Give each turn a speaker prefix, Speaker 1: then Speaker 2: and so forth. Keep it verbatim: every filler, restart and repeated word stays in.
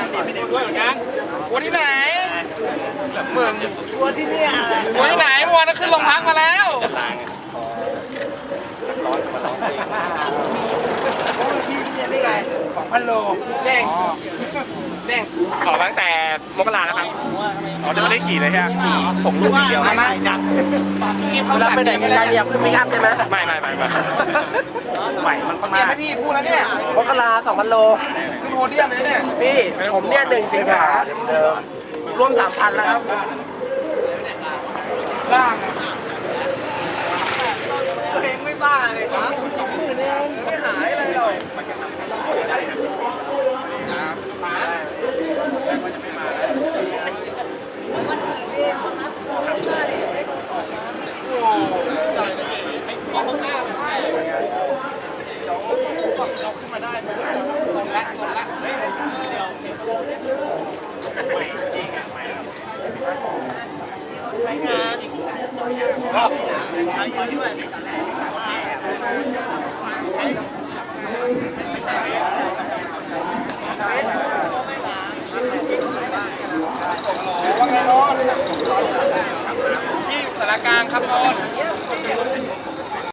Speaker 1: ตัวเหมือนกันตัวที่ไหนเมือง
Speaker 2: ตัวที่เนี่ย
Speaker 1: ตัวที่ไหนเมื่อวานขึ้นโรงพักมาแล้ว
Speaker 2: พี่เนี่ยได้ไงสองพันโลเด้งเด้ง
Speaker 1: ออกตั้งแต่มกราแล้วครับอ๋อจะไม่ได้ขี่เลยใช่ไหมผมลูกเดียว
Speaker 2: มามาดักเราไปไหนกันได้เนี่ยขึ้นไม่ข้ามใช่ไหม
Speaker 1: ไม่ไม่ไม่ไม่ใหม่มันประมา
Speaker 2: เนี่
Speaker 1: ณ
Speaker 2: ยให้พี่พูดแล้วเนี่ยมกราสองพันโลขึ้นโพเดียมเลยเนี่ยพี่ผมเนี่ยหนึ่งสิงหาเดิมรวมสามพันแล้วครับล่างตัวเองไม่บ้าเลยครับสองหมื่นเองไม่หายอะไรหรอกใช้งานใช้เยอะด้วย